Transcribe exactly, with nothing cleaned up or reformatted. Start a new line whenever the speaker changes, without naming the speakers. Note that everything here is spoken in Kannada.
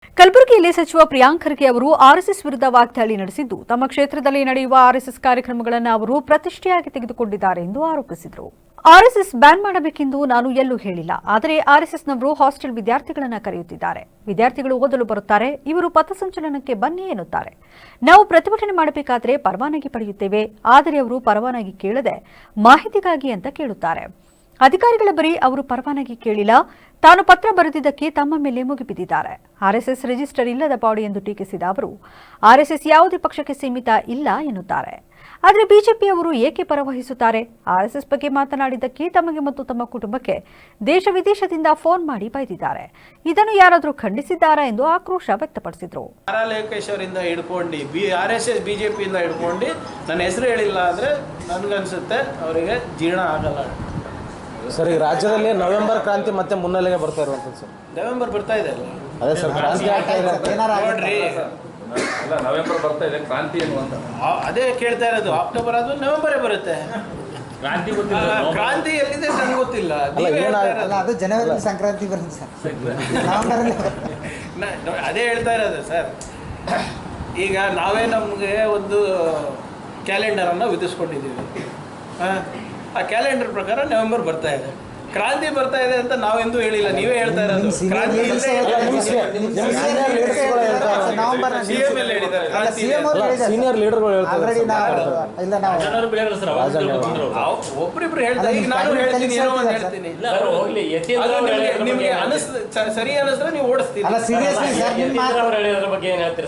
ಕಲಬುರಗಿಯಲ್ಲಿ ಸಚಿವ ಪ್ರಿಯಾಂಕ್ ಖರ್ಗೆ ಅವರು ಆರ್ಎಸ್ಎಸ್ ವಿರುದ್ಧ ವಾಗ್ದಾಳಿ ನಡೆಸಿದ್ದು ತಮ್ಮ ಕ್ಷೇತ್ರದಲ್ಲಿ ನಡೆಯುವ ಆರ್ಎಸ್ಎಸ್ ಕಾರ್ಯಕ್ರಮಗಳನ್ನು ಅವರು ಪ್ರತಿಷ್ಠೆಯಾಗಿ ತೆಗೆದುಕೊಂಡಿದ್ದಾರೆ ಎಂದು ಆರೋಪಿಸಿದರು. ಆರ್ಎಸ್ಎಸ್ ಬ್ಯಾನ್ ಮಾಡಬೇಕೆಂದು ನಾನು ಎಲ್ಲೂ ಹೇಳಿಲ್ಲ, ಆದರೆ ಆರ್ಎಸ್ಎಸ್ನವರು ಹಾಸ್ಟೆಲ್ ವಿದ್ಯಾರ್ಥಿಗಳನ್ನು ಕರೆಯುತ್ತಿದ್ದಾರೆ. ವಿದ್ಯಾರ್ಥಿಗಳು ಓದಲು ಬರುತ್ತಾರೆ, ಇವರು ಪಥಸಂಚಲನಕ್ಕೆ ಬನ್ನಿ ಎನ್ನುತ್ತಾರೆ. ನಾವು ಪ್ರತಿಭಟನೆ ಮಾಡಬೇಕಾದರೆ ಪರವಾನಗಿ ಪಡೆಯುತ್ತೇವೆ, ಆದರೆ ಅವರು ಪರವಾನಗಿ ಕೇಳದೆ ಮಾಹಿತಿಗಾಗಿ ಅಂತ ಕೇಳುತ್ತಾರೆ. ಅಧಿಕಾರಿಗಳ ಬಳಿ ಅವರು ಪರವಾನಗಿ ಕೇಳಿಲ್ಲ, ತಾನು ಪತ್ರ ಬರೆದಿದ್ದಕ್ಕೆ ತಮ್ಮ ಮೇಲೆ ಮುಗಿಬಿದ್ದಿದ್ದಾರೆ. ಆರ್ಎಸ್ಎಸ್ ರಿಜಿಸ್ಟರ್ ಇಲ್ಲದ ಬಾಡಿ ಎಂದು ಟೀಕಿಸಿದ ಅವರು ಆರ್ಎಸ್ಎಸ್ ಯಾವುದೇ ಪಕ್ಷಕ್ಕೆ ಸೀಮಿತ ಇಲ್ಲ ಎನ್ನುತ್ತಾರೆ. ಆದರೆ ಬಿಜೆಪಿಯವರು ಏಕೆ ಪರವಹಿಸುತ್ತಾರೆ? ಆರ್ಎಸ್ಎಸ್ ಬಗ್ಗೆ ಮಾತನಾಡಿದ್ದಕ್ಕೆ ತಮಗೆ ಮತ್ತು ತಮ್ಮ ಕುಟುಂಬಕ್ಕೆ ದೇಶ ವಿದೇಶದಿಂದ ಫೋನ್ ಮಾಡಿ ಬೈದಿದ್ದಾರೆ. ಇದನ್ನು ಯಾರಾದರೂ ಖಂಡಿಸಿದ್ದಾರಾ ಎಂದು ಆಕ್ರೋಶ ವ್ಯಕ್ತಪಡಿಸಿದರು.
ಲೋಕೇಶ್ವರಿಂದ ಹಿಡ್ಕೊಂಡು ಬಿ ಆರ್ ಎಸ್ ಎಸ್ ಬಿಜೆಪಿಯಿಂದ ಹಿಡ್ಕೊಂಡು ನನ್ನ ಹೆಸರು ಹೇಳಿಲ್ಲ ಅಂದರೆ ನನಗನ್ಸುತ್ತೆ ಅವರಿಗೆ ಜೀರ್ಣ ಆಗಲ್ಲ.
ಸರ್, ಈ ರಾಜ್ಯದಲ್ಲಿ ನವೆಂಬರ್ ಕ್ರಾಂತಿ ಮತ್ತೆ ಮುನ್ನೆಲೆಗೆ ಬರ್ತಾ ಇರುವಂಥದ್ದು ಸರ್.
ನವೆಂಬರ್ ಬರ್ತಾ ಇದೆ ಅಲ್ಲ?
ಅದೇ ಸರ್, ಕ್ರಾಂತಿ ಆಗ್ತಾ ಇದೆ
ನೋಡ್ರಿ,
ಅಲ್ಲ ನವೆಂಬರ್ ಬರ್ತಾ ಇದೆ, ಕ್ರಾಂತಿ ಏನು ಅಂತ
ಅದೇ ಕೇಳ್ತಾ ಇರೋದು. ಅಕ್ಟೋಬರ್ ಆದ್ಮೇಲೆ ನವೆಂಬರೇ ಬರುತ್ತೆ.
ಕ್ರಾಂತಿ ಗೊತ್ತಿಲ್ಲ,
ಕ್ರಾಂತಿ ಎಲ್ಲಿದೆ ನಂಗೆ ಗೊತ್ತಿಲ್ಲ.
ಅಲ್ಲ, ಅದು ಜನವರಿ ಸಂಕ್ರಾಂತಿ ಬರುತ್ತೆ ಸರ್.
ಅದೇ ಹೇಳ್ತಾ ಇರೋದು ಸರ್. ಈಗ ನಾವೇ ನಮಗೆ ಒಂದು ಕ್ಯಾಲೆಂಡರನ್ನು ವಿಧಿಸ್ಕೊಂಡಿದ್ದೀವಿ. ಆ ಕ್ಯಾಲೆಂಡರ್ ಪ್ರಕಾರ ನವೆಂಬರ್ ಬರ್ತಾ ಇದೆ. ಕ್ರಾಂತಿ ಬರ್ತಾ ಇದೆ ಅಂತ ನಾವೆಂದೂ ಹೇಳಿಲ್ಲ, ನೀವೇ ಹೇಳ್ತಾ ಇರೋದು. ಕ್ರಾಂತಿ
ಸೀನಿಯರ್ ಲೀಡರ್ಗಳು
ಒಬ್ರಿಬ್ರು ಹೇಳ್ತಾರೆ. ಈಗ ನಾನು ಹೇಳ್ತೀನಿ, ಏನೋ ಒಂದು ಹೇಳ್ತೀನಿ, ನಿಮ್ಗೆ ಅನಿಸ್ ಸರಿ ಅನಿಸಿದ್ರೆ ನೀವು ಓಡಿಸ್ತೀರಿ.